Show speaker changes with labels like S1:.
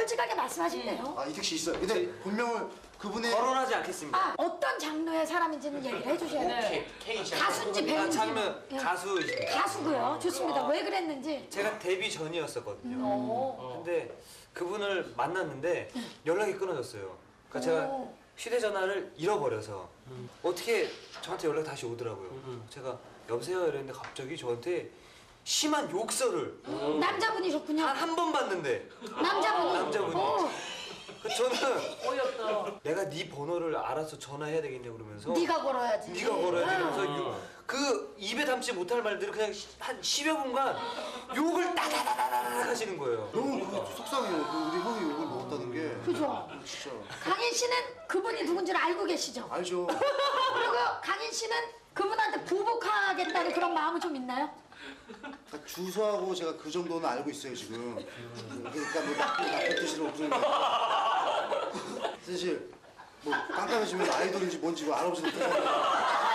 S1: 솔직하게 말씀하시네요.
S2: 아, 이택 씨 있어요. 근데 본명을 그분의
S3: 거론하지 않겠습니다.
S1: 아, 어떤 장르의 사람인지는 얘기를 해주셔야 돼요. 가수인지 배우인지.
S3: 장르
S1: 예.
S3: 가수이십니다.
S1: 가수고요. 좋습니다. 왜 그랬는지.
S3: 제가 데뷔 전이었었거든요. 근데 그분을 만났는데 연락이 끊어졌어요. 그러니까 제가
S1: 오.
S3: 휴대전화를 잃어버려서 어떻게 저한테 연락이 다시 오더라고요. 제가 여보세요 이랬는데 갑자기 저한테 심한 욕설을
S1: 남자분이셨군요.
S3: 단 한 번 봤는데
S1: 남자분이. 어,
S3: 저는
S4: 어이없다.
S3: 내가 네 번호를 알아서 전화해야 되겠냐 그러면서
S1: 네가 걸어야지.
S3: 네가 걸어야 돼 이러면서 그 입에 담지 못할 말들을 그냥 한 10여 분간 욕을 따다다다다 하시는 거예요.
S2: 너무 속상해요. 우리 형이 욕을 먹었다는 게.
S1: 그죠?
S2: 진짜.
S1: 강인 씨는 그분이 누군지를 알고 계시죠?
S2: 알죠.
S1: 그리고 강인 씨는 그분한테 보복하겠다는 그런 마음은 좀 있나요?
S2: 그러니까 주소하고 제가 그 정도는 알고 있어요 지금. 그러니까 뭐 나쁜 뜻으로 무슨 사실 뭐 깜깜해지면 아이돌인지 뭔지 알아보지 못해요.